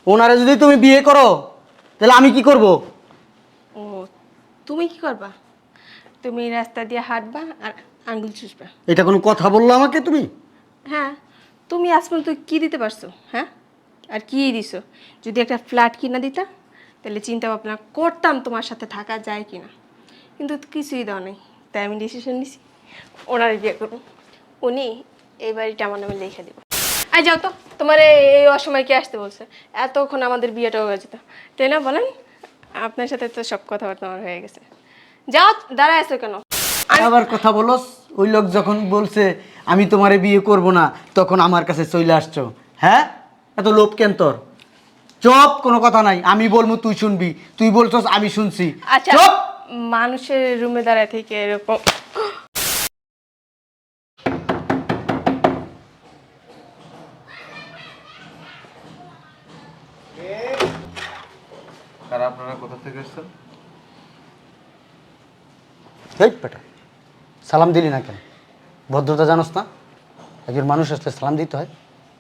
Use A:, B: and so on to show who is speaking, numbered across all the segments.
A: ওনারে যদি তুমি বিয়ে করো তাহলে আমি কি করব?
B: ও তুমি কি করবা? তুমি রাস্তা দিয়ে হাঁটবা আর আঙ্গুল চুষবা।
A: এটা কোনো কথা বললো আমাকে তুমি?
B: হ্যাঁ, তুমি আজ পর্যন্ত কি দিতে পারছো? হ্যাঁ, আর কি দিছো? যদি একটা ফ্ল্যাট কিনা দিতা তাহলে চিন্তা ভাবনা করতাম তোমার সাথে থাকা যায় কিনা, কিন্তু কিছুই দাও নাই। তাই আমি ডিসিশন নিছি ওনার বিয়ে করবো। উনি এই বাড়িটা আমার নামে লিখে দেবো। আই যাও তো, তোমার এই অসময় কে আসতে বলছে? এতক্ষণ আমাদের বিয়েটা হয়ে যেত, তাই না বলেন? আপনার সাথে তো সব কথাবার্তা আমার হয়ে গেছে। যাও, দাঁড়ায় আছো কেন?
A: আবার কথা বলস? ওই লোক যখন বলছে আমি তোমারে বিয়ে করব না তখন আমার কাছে চলে আসছো। হ্যাঁ, এত লোভ কেন তোর? চুপ, কোনো কথা নাই। আমি বলবো তুই শুনবি, তুই বলছস আমি শুনছি।
B: আচ্ছা,
A: চুপ।
B: মানুষের রুমে দাঁড়ায় থেকে এরকম
C: কারা আপনারা কোথা থেকে এসেছেন?
A: এই বেটা, সালাম দিলি না কেন? ভদ্রতা জানোস না? একজন মানুষ আসলে সালাম দিতে হয়।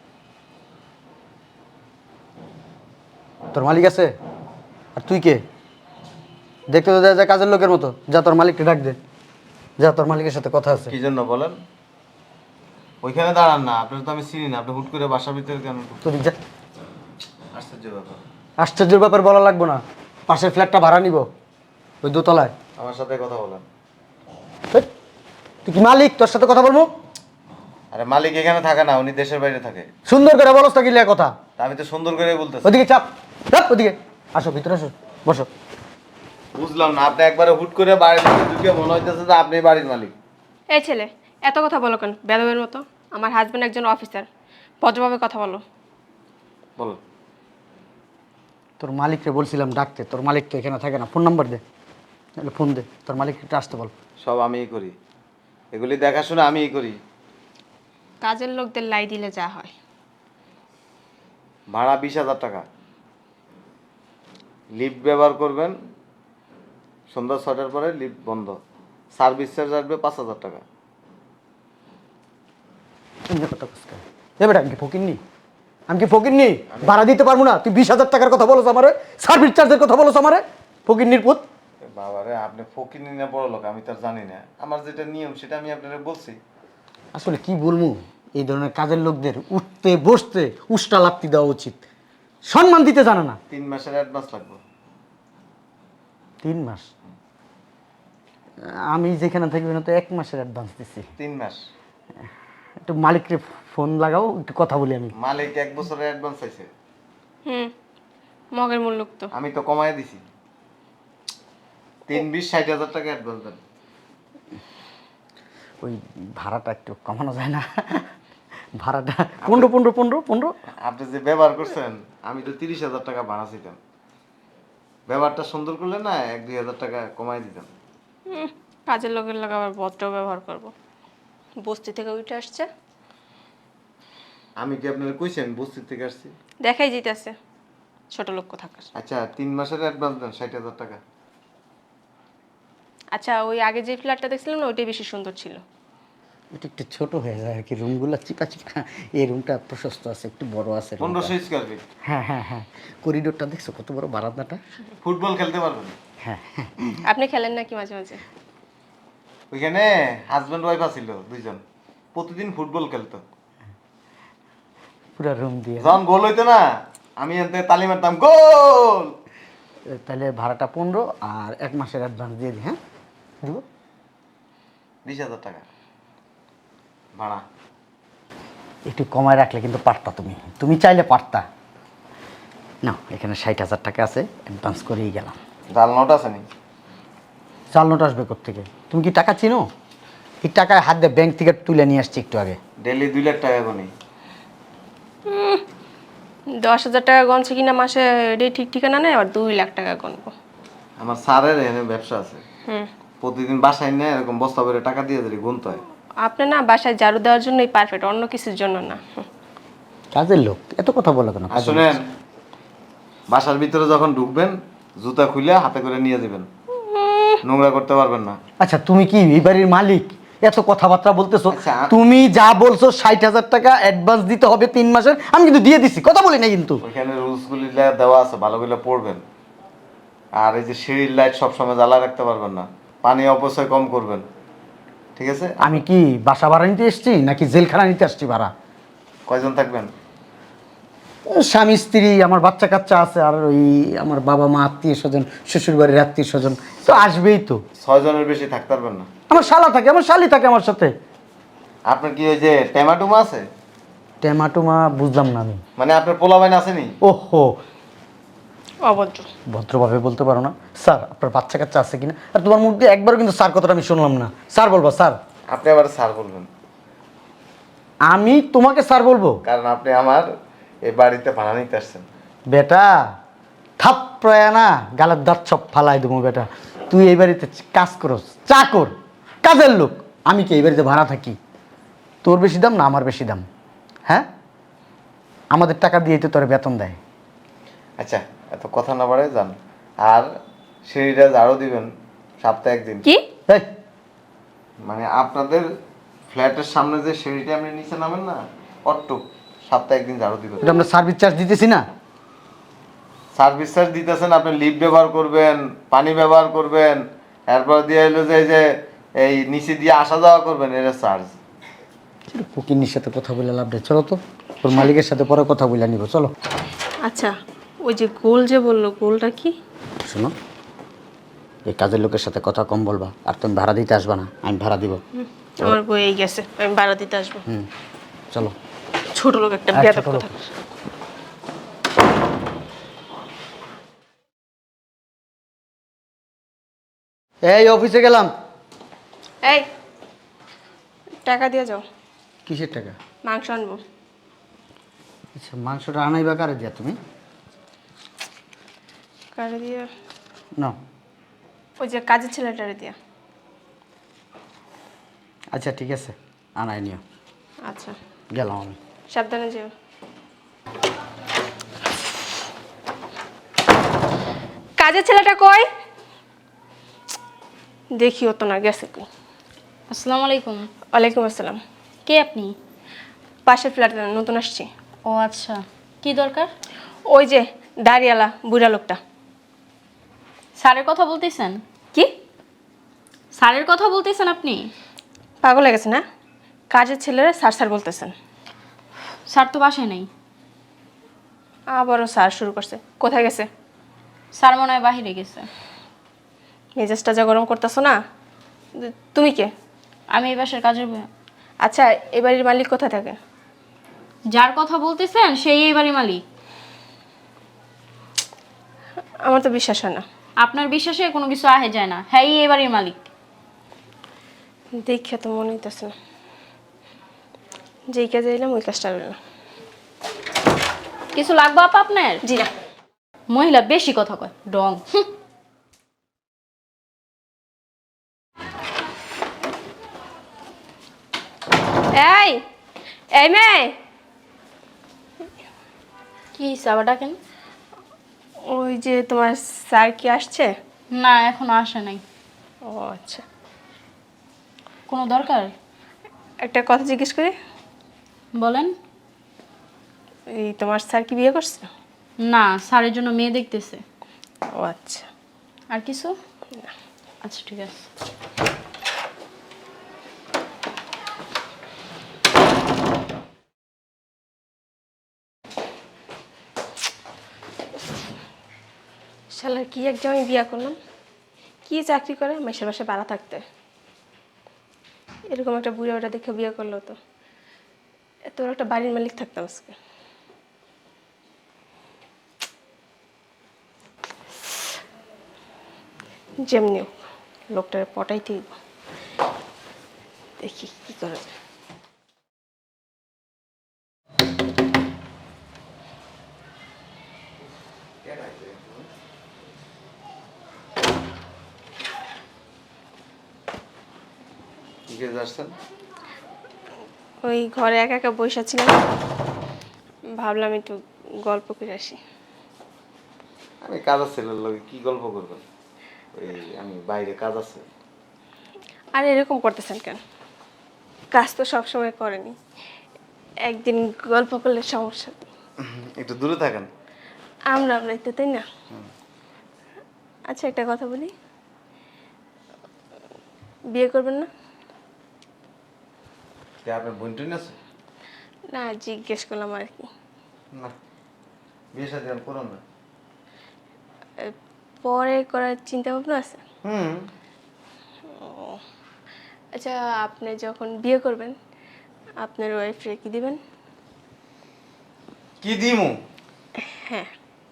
A: তোর মালিক আছে? আর তুই কে? দেখতে তো যা কাজের লোকের মতো। যা তোর মালিককে ডাক দে, যা তোর মালিকের সাথে কথা আছে।
C: কি জন্য বলেন? ওইখানে দাঁড়ান না, আপনার তো আমি চিনি না। আপনি হুট করে বাসার ভিতরে কেন ঢুকছেন?
A: তুই যা।
C: আশ্চর্য ব্যাপার।
A: আশ্চর্যের ব্যাপার বলা লাগবো না। পাশের ফ্ল্যাটটা ভাড়া নিব, ওই দোতলায়।
C: আমার সাথে কথা বলেন।
A: এই, তুই কি মালিক? তোর সাথে কথা বলবো?
C: আরে মালিক এখানে থাকে না, উনি দেশের বাইরে থাকে।
A: সুন্দর করে বলস তো, কি লিয়া কথা?
C: তা আমি তো সুন্দর করে বলতেছি।
A: ওদিকে চাপ, চাপ ওদিকে। আসো ভিতরে, আসো, বসো।
C: বুঝলাম না, আপনি একবারে হুট করে বাড়ির ভিতরে ঢুকে মনে হইতেছে যে আপনি বাড়ির মালিক।
B: এই ছেলে, এত কথা বলো কেন বেদবের মতো? আমার হাজব্যান্ড একজন অফিসার, ভদ্রভাবে কথা বলো।
C: বলো।
A: তোর মালিককে বলছিলাম ডাকতে, তোর মালিক তো এখানে থাকে না। ফোন নাম্বার দে, তাহলে ফোন দে, তোর মালিককে আসতে বল।
C: সব আমিই করি, এগুলি দেখাশোনা আমিই করি।
B: কাজের লোকদের লাই দিলে যা হয়।
C: ভাড়া 20,000 টাকা। লিফট ব্যবহার করবেন, সন্ধ্যা 6টার পরে লিফট বন্ধ। সার্ভিস চার্জ আসবে 5,000 টাকা।
A: এবার আমি কি ফকিরনি? আমি কি ফকিরনি? ভাড়া দিতে পারবো না? তুই 20,000 টাকার কথা বলো আমারে, সার্ভিস চার্জের কথা বলো আমারে? ফকিরনির পুত।
C: বাবারে, আপনি ফকির না বড় লোক আমি তার জানি না। আমার যেটা নিয়ম সেটা আমি আপনারা বলছি।
A: আসলে কি বলবো, এই ধরনের কাজের লোকদের উঠতে বসতে উষ্টা লাপ্তি দেওয়া উচিত। সম্মান দিতে জানে না।
C: 3 মাসের অ্যাডভান্স লাগবে।
A: 3 মাস? আমি যেখানে থাকবি না তো 1 মাসের অ্যাডভান্স দিচ্ছি।
C: 3 মাস?
A: একটু মালিককে ফোন লাগাও, একটু কথা বলি আমি।
C: মালিক 1 বছরের অ্যাডভান্স চাইছে।
B: হুম, মগের মূল্য তো।
C: আমি তো কমায় দিছি। 3-20 60,000 টাকা অ্যাডভান্স দেন।
A: ওই ভাড়াটা একটু কমানো যায় না? ভাড়াটা 15।
C: আপনি যে ব্যবহার করছেন, আমি তো 30,000 টাকা ভাড়া ছিলাম। ব্যবহারটা সুন্দর করলে না 1-2 হাজার টাকা কমায় দিতাম।
B: কাজের লোকের লোক আবার ভদ্র ব্যবহার করবো। বস্তি থেকে উঠে আসছে,
C: আমি কি আপনারা কইছি আমি বস্তি থেকে আসছি?
B: দেখাই যেতেছে ছোট লোক থাকার।
C: আচ্ছা 3 মাসের অ্যাডভান্স দেন 60,000 টাকা।
B: আচ্ছা, ওই আগে যে ফ্ল্যাটটা দেখছিলাম না, ওইটাই বেশি সুন্দর ছিল।
A: এটা একটু ছোট হয়ে যায় আর কি, রুমগুলো চিপা চিপা। এই রুমটা প্রশস্ত আছে, একটু বড় আছে room টা।
C: 1500 স্কয়ার ফিট।
A: হ্যাঁ, করিডোরটা দেখছো কত বড়, বারান্দাটা?
C: ফুটবল খেলতে পারবেন।
A: হ্যাঁ।
B: আপনি খেলেন নাকি মাঝে মাঝে?
C: ওইখানে হাজবেন্ড ওয়াইফ আছিল দুইজন, প্রতিদিন ফুটবল খেলতো।
A: পুরো রুম দিয়ে।
C: যখন গোল হইতো না, আমি এনতে তালি মারতাম, গোল।
A: তাহলে ভাড়াটা 15 আর 1 মাসের অ্যাডভান্স দিয়ে দিই। হ্যাঁ, দিব।
C: 20,000 টাকা ভাড়া।
A: একটু কমায় রাখলে কিন্তু পারতা, তুমি চাইলে পারতা। না, এখানে 60,000 টাকা আছে, অ্যাডভান্স করেই গেলাম।
C: জাল নোট আছে নি?
A: চাল নোট আসবে কোত্থেকে? তুমি কি টাকা চিনো? এই টাকায় হাত দিয়ে ব্যাংক থেকে তুলে নিয়ে আসছি একটু আগে।
C: ডেলি 2 লাখ টাকা গুনি।
B: 10,000 টাকা গনছে কিনা মাসে, এটাই ঠিক ঠিকানা নেই, আবার 2 লাখ টাকা গনবো।
C: আমার স্যারের এখানে ব্যবসা আছে,
B: হুম,
C: প্রতিদিন বাসায় নিয়ে এরকম বস্তা করে টাকা দিয়ে দিলে গুনতে হয়।
B: আপনি না বাসায় ঝাড়ু দেওয়ার জন্যই পারফেক্ট, অন্য কিছুর জন্য না।
A: কাজের লোক এত কথা বলো কেন?
C: আর শুনেন, বাসার ভিতরে যখন ঢুকবেন জুতা খুলে হাতে করে নিয়ে যাবেন, নোংরা করতে পারবেন না।
A: আচ্ছা, তুমি কি এই বাড়ির মালিক এত কথাবার্তা বলতেছো।
C: আচ্ছা,
A: তুমি যা বলছো 60,000 টাকা অ্যাডভান্স দিতে হবে 3 মাসের, আমি কিন্তু দিয়ে দিছি, কথা বলি না কিন্তু।
C: ওইখানে রুলসগুলি দেওয়া আছে, ভালো করে পড়বেন। আর এই যে সিঁড়ির লাইট সবসময় জ্বালা রাখতে পারবেন না, পানি অপচয় কম করবেন, ঠিক আছে?
A: আমি কি বাসা ভাড়া নিতে এসছি নাকি জেলখানা নিতে আসছি ভাড়া?
C: কয়জন থাকবেন?
A: স্বামী স্ত্রী, আমার বাচ্চা কাচ্চা আছে, আর ওই আমার বাবা মা, আত্মীয় স্বজন, শ্বশুর বাড়ির আত্মীয় স্বজন তো আসবেই তো।
C: 6 জনের বেশি থাকতে পারবেন না।
A: আমার শালা থাকে, আমার শালি থাকে আমার সাথে।
C: আপনার কি ওই যে ট্যামাটুমা আছে?
A: টেমাটুমা বুঝলাম না আমি।
C: মানে আপনার পোলাবাইন আসেনি?
A: ওহো,
B: অভদ্র।
A: ভদ্রভাবে বলতে পারো না? স্যার, আপনার বাচ্চা কাচ্চা আছে কিনা? আর তোমার মুখ দিয়ে একবারও কিন্তু স্যার কথাটা আমি শুনলাম না। স্যার বলবা স্যার?
C: আপনি আবার স্যার বলবেন,
A: আমি তোমাকে স্যার বলবো?
C: কারণ আপনি আমার এই বাড়িতে ভাড়া নিতে আসছেন।
A: বেটা থাপ্পড়ায় না গালের দাঁত সব ফালাই দেবো বেটা। তুই এই বাড়িতে কাজ করস, চাকর, কাজের লোক। আমি কি এই বাড়িতে ভাড়া থাকি? তোর বেশি দাম না আমার বেশি দাম? হ্যাঁ, আমাদের টাকা দিয়েই তো তোর বেতন দেয়।
C: আচ্ছা, এত কথা না বাড়ায় যান। আর সিঁড়িটা ঝাড়ু দিবেন সপ্তাহে একদিন।
B: কি?
A: এই,
C: মানে আপনাদের ফ্ল্যাটের সামনে যে সিঁড়িটা আপনি নিচে নামেন না, অট্টুক সপ্তাহে একদিন ঝাড়ু দিবেন।
A: এটা আমরা সার্ভিস চার্জ দিতেছি না?
C: সার্ভিস চার্জ দিতেছেন, আপনি লিফট ব্যবহার করবেন, পানি ব্যবহার করবেন, এরপর দিয়ে হলো যে এই যে এই নিচে দিয়ে আসা যাওয়া করবেন, এটা চার্জ।
A: ফকিন্নির সাথে কথা বলে লাভ নেই, চলো তো। ওর মালিকের সাথে পরে কথা বলে নিব, চলো।
B: আচ্ছা, ওই যে গোল যে বললো, গোলটা কি?
A: শোনো, এই কাজের লোকের সাথে কথা কম বলবা, আর তুমি ভাড়া দিতে আসবা না, আমি ভাড়া দিব।
B: আমার বই গেছে, আমি ভাড়া দিতে আসবো।
A: চলো।
B: ছোট লোক একটা
A: আচ্ছা,
B: বেয়াদব
A: ছোট
B: কথা।
A: লোক। এই অফিসে গেলাম।
B: এই, টাকা দিয়ে যাও,
A: কিসের টাকা?
B: মাংস আনবো।
A: আচ্ছা, মাংসটা আনাইবা কারে দিয়া তুমি?
B: কারে দিয়ে?
A: না।
B: ওই যে কাজের ছেলেটারে দিয়া।
A: আচ্ছা ঠিক আছে, আনাই নিও।
B: আচ্ছা,
A: গেলাম আমি।
B: সাবধানে যেও। কাজের ছেলেটা কই? দেখিও তো না, গেছে কই।
D: আসসালামু আলাইকুম।
B: ওয়ালাইকুম আসসালাম।
D: কে আপনি?
B: পাশের ফ্ল্যাটে নতুন আসছি।
D: ও আচ্ছা, কি দরকার?
B: ওই যে দাড়িওয়ালা বুড়া লোকটা।
D: স্যারের কথা বলতেছেন?
B: কি?
D: স্যারের কথা বলতেছেন আপনি?
B: পাগল হয়ে গেছে না? কাজের ছেলেরা স্যার স্যার বলতেছেন।
D: স্যার তো বাসায় নেই।
B: আবারও স্যার শুরু করছে। কোথায় গেছে?
D: স্যার মনে হয় বাহিরে গেছে।
B: মেজাজটা যা গরম করতেছো না। তুমি কে?
D: আমি এই বাসার কাজের
B: আচ্ছা, এই বাড়ির মালিক কোথায় থাকে?
D: যার কথা বলতেছেন সেই এই বাড়ির মালিক।
B: আমার তো বিশ্বাস হয় না।
D: আপনার বিশ্বাসে কোনো কিছু আহে যায় না। হ্যাঁ, এই বাড়ির মালিক।
B: দেখে তো মনে হইতেছে না। যেই কাজে এলাম ওই কাজটা রইল না।
D: কিছু লাগবে আপা আপনার?
B: জি না।
D: মহিলা বেশি কথা কয়, ডং।
B: এই, এই মেয়ে,
D: কি আবার ডাকেন?
B: ওই যে তোমার স্যার কি আসছে?
D: না, এখনো আসে নাই।
B: ও আচ্ছা,
D: কোনো দরকার?
B: একটা কথা জিজ্ঞেস করি।
D: বলেন।
B: এই তোমার স্যার কি বিয়ে করছে?
D: না, স্যারের জন্য মেয়ে দেখতেছে।
B: ও আচ্ছা।
D: আর কিছু? আচ্ছা ঠিক আছে।
B: শালার কি এক জামাই বিয়ে করলাম, কি চাকরি করে, মেসের বাসায় ভাড়া থাকতে। এরকম একটা বুড়া ওটা দেখে বিয়ে করলো তো এত বড় একটা বাড়ির মালিক থাকতাম আজকে। যেমনি হোক, লোকটার পটাইতেই দেখি কি করা যায়।
C: কি কাজে আসছেন?
B: ওই ঘরে একা একা বসে ছিলাম, ভাবলাম একটু গল্প করে আসি।
C: আমি কাজ আছে লোকে, কি গল্প করবেন? ওই আমি বাইরে কাজ আছে।
B: আর এরকম করতেছেন কেন? কাজ তো সবসময় করেনি, একদিন গল্প করলে সমস্যা নেই।
C: একটু দূরে থাকেন।
B: আমরাই তো, তাই না? আচ্ছা একটা কথা বলি, বিয়ে করবেন না?
C: কে আপনার বোন টোন আছে?
B: না, জিজ্ঞেস করলাম আর কি।
C: না, বিয়ে সাথে আর করুন না।
B: এ, পরে করার চিন্তা ভাবনা আছে?
C: হুম।
B: আচ্ছা, আপনি যখন বিয়ে করবেন আপনার ওয়াইফরে কি দিবেন?
C: কি দিমু?
B: হ্যাঁ।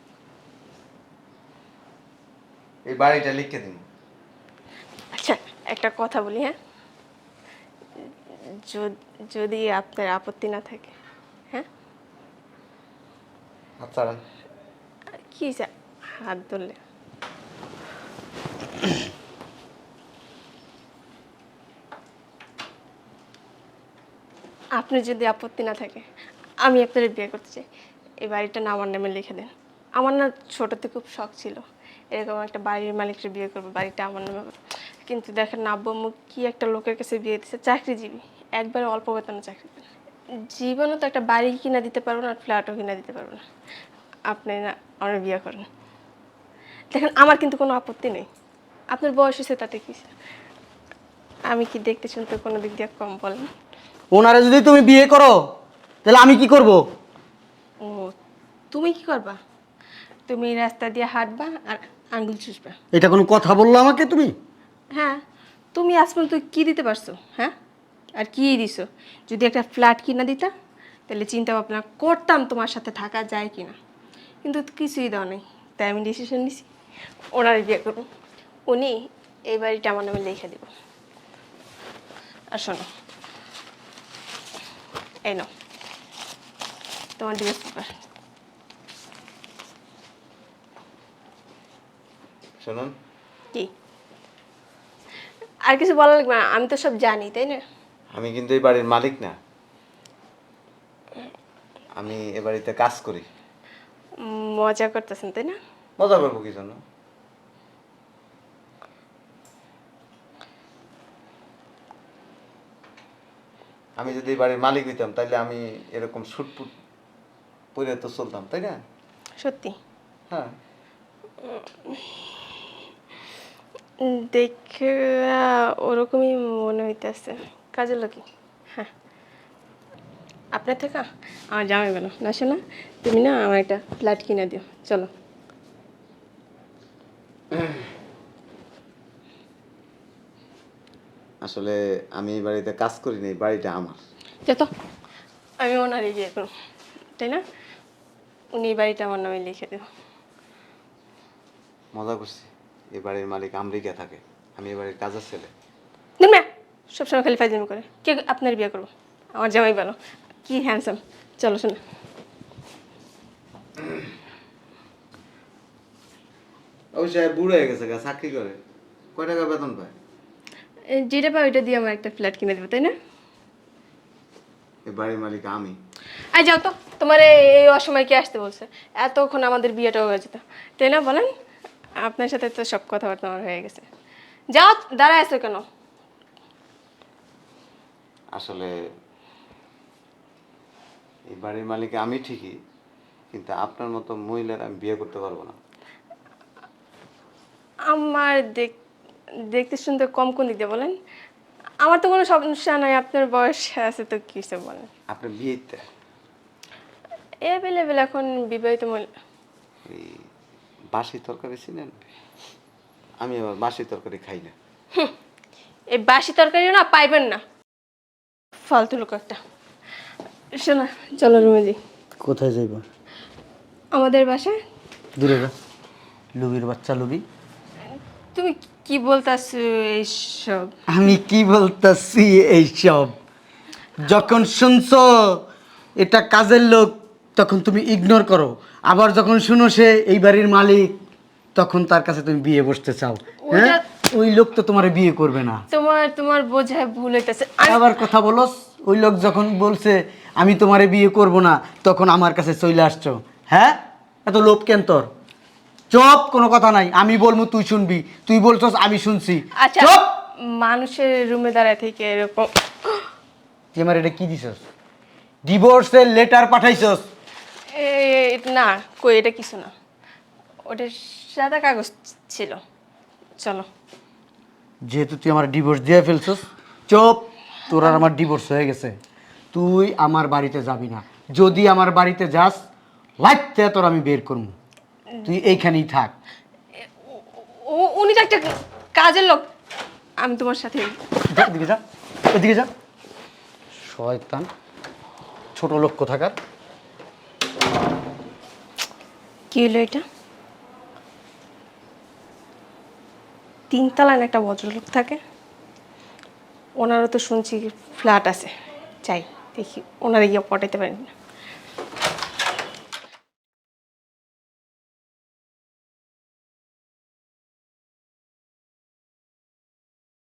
C: এই বাড়িটা লিখে দিমু।
B: আচ্ছা একটা কথা বলি, হ্যাঁ, যদি আপনার আপত্তি না থাকে, হ্যাঁ?
C: আচ্ছা।
B: কি হাত ধরলে? আপনি যদি আপত্তি না থাকে আমি আপনার বিয়ে করতে চাই। এই বাড়িটা না আমার নামে লিখে দেন। আমার না ছোটোতে খুব শখ ছিল এরকম একটা বাড়ির মালিককে বিয়ে করবো, বাড়িটা আমার নামে হবে। কিন্তু দেখেন না, আব্বু আম্মু কি একটা লোকের কাছে বিয়ে দিচ্ছে, চাকরিজীবী, একবারে অল্প বেতনে চাকরি করে। জীবনও তো একটা বাড়ি কিনা দিতে পারবো না, ফ্ল্যাটও কিনা দিতে পারবো না। আপনি না আমার বিয়ে করেন। দেখেন আমার কিন্তু কোনো আপত্তি নেই, আপনার বয়স হয়েছে তাতে কি, আমি কি দেখতে শুনতে কোনো দিক দিয়ে কম বলেন?
A: ওনারে যদি তুমি বিয়ে করো তাহলে আমি কি করব?
B: ও, তুমি কি করবা? তুমি রাস্তা দিয়ে হাঁটবা আর আঙ্গুল চুষবা।
A: এটা কোনো কথা বললো আমাকে তুমি?
B: হ্যাঁ, তুমি আজ পর্যন্ত কি দিতে পারছো? হ্যাঁ, আর কি দিছো? যদি একটা ফ্ল্যাট কিনা দিতা তাহলে চিন্তা ভাবনা করতাম তোমার সাথে থাকা যায় কিনা, কিন্তু কিছুই দাও নেই। তাই আমি ডিসিশন নিছি ওনার বিয়ে করবো। উনি এই বাড়িটা আমার নামে লিখে দেব। আর শোনো, এই নাও তোমার ডিভোর্স পেপার।
C: শুনুন,
B: কি আর কিছু বলা লাগবে না? আমি তো সব জানি, তাই না?
C: আমি কিন্তু এই বাড়ির মালিক না, আমি এ বাড়িতে কাজ করি।
B: মজা করতেছেন তাই না?
C: মজা করবো কি জন্য? আমি যদি এই বাড়ির মালিক হইতাম তাহলে আমি এরকম ছুটপুট পরে তো চলতাম, তাই না?
B: সত্যি?
C: হ্যাঁ।
B: দেখে ওরকমই মনে হইতেছে। কাজের লোকই। হ্যাঁ, আপনার থেকে আমার জামাই বলো না, শোনা তুমি না আমার একটা ফ্ল্যাট কিনে দিও, চলো।
C: আসলে আমি এই বাড়িতে কাজ করি না, এই বাড়িটা আমার।
B: যত আমি ওনারই বিয়ে করব, তাই না? উনি এই বাড়িটা আমার নামে লিখে দেব।
C: মজা করছি, এই বাড়ির মালিক আমেরিকা থাকে, আমি এই বাড়ির কাজের ছেলে।
B: দেখবে সবসময় খালি ফাইজলামি করে। কে আপনার বিয়ে করবো? আমার জামাই বলো, কি হ্যান্ডসাম। চলো শোনা।
C: অবশ্যই বুড়ো হয়ে গেছে, চাকরি করে, কয় টাকা বেতন পায়?
B: যেটা পাই ওইটা দিয়ে আমার একটা ফ্ল্যাট কিনে দেবো, তাই না?
C: এই বাড়ির মালিক আমি।
B: আই যাও তো, তোমার এই অসময় কে আসতে বলছে? এতক্ষণ আমাদের বিয়েটাও হয়ে যেত, তাই না বলেন? আপনার সাথে তো সব কথাবার্তা আমার হয়ে গেছে। যাও, দাঁড়ায় আছো কেন?
C: আসলে এই বাড়ির মালিক আমি ঠিকই, কিন্তু আপনার মতো মহিলার আমি বিয়ে করতে পারবো না।
B: আমার দেখতে শুনতে কম কোন দিক দিয়ে বলেন? আমার তো কোনো সমস্যা নাই, আপনার বয়স আছে তো কিছু বলেন।
C: আপনার বিয়েতে
B: অ্যাভেলেবেল এখন বিবাহিত মহিলা।
C: এই বাসি তরকারি ছিলেন? আমি আবার বাসি তরকারি খাই না।
B: এই বাসি তরকারিও না পাইবেন না, ফালতু লোক একটা। শোনা, চলো রুমে যাই।
A: কোথায় যাইব?
B: আমাদের বাসায়।
A: দূরে যা, লুবির বাচ্চা লুবি।
B: তুমি কি বলতাছো এইসব?
A: আমি কি বলতাছি এইসব? যখন শুনছো এটা কাজের লোক তখন তুমি ইগনোর করো, আবার যখন শুনো সে এই বাড়ির মালিক তখন তার কাছে তুমি বিয়ে বসতে চাও। হ্যাঁ, ওই লোক তো তোমার বিয়ে করবে না।
B: তোমার বোঝায় ভুল হইতেছে।
A: আবার কথা বলস, ওই লোক যখন বলছে আমি তোমারে বিয়ে করব না তখন আমার কাছে চলে আসছো। হ্যাঁ, এত লোভ কেন তোর? চুপ, কোনো কথা নাই, আমি বলবো তুই শুনবি, তুই বলছস আমি শুনছি।
B: আচ্ছা,
A: চুপ।
B: মানুষের রুমে দাঁড়ায় থেকে এরকম
A: তুই আমার এটা কি দিছস? ডিভোর্সের লেটার পাঠাইছস?
B: না কই, এটা কিছু না, ওটা সাদা কাগজ ছিল। চলো।
A: যেহেতু তুই আমার ডিভোর্স দিয়ে ফেলছস, চুপ। তোর আর আমার ডিভোর্স হয়ে গেছে। তুই আমার বাড়িতে যাবি না। যদি আমার বাড়িতে যাস, লাইতে তোর আমি বের করবো। তুই এইখানেই থাক।
B: উনি তো একটা কাজের লোক, আমি তোমার সাথে।
A: যা, এদিকে যা, এদিকে যা। শয়তান, ছোট লোক কোথাকার।
B: কি হলো এটা? তিনতলায় একটা ভদ্রলোক থাকে, ওনারও তো শুনছি ফ্ল্যাট আছে। চাই দেখি ওনারা গিয়ে পটাইতে পারেন না।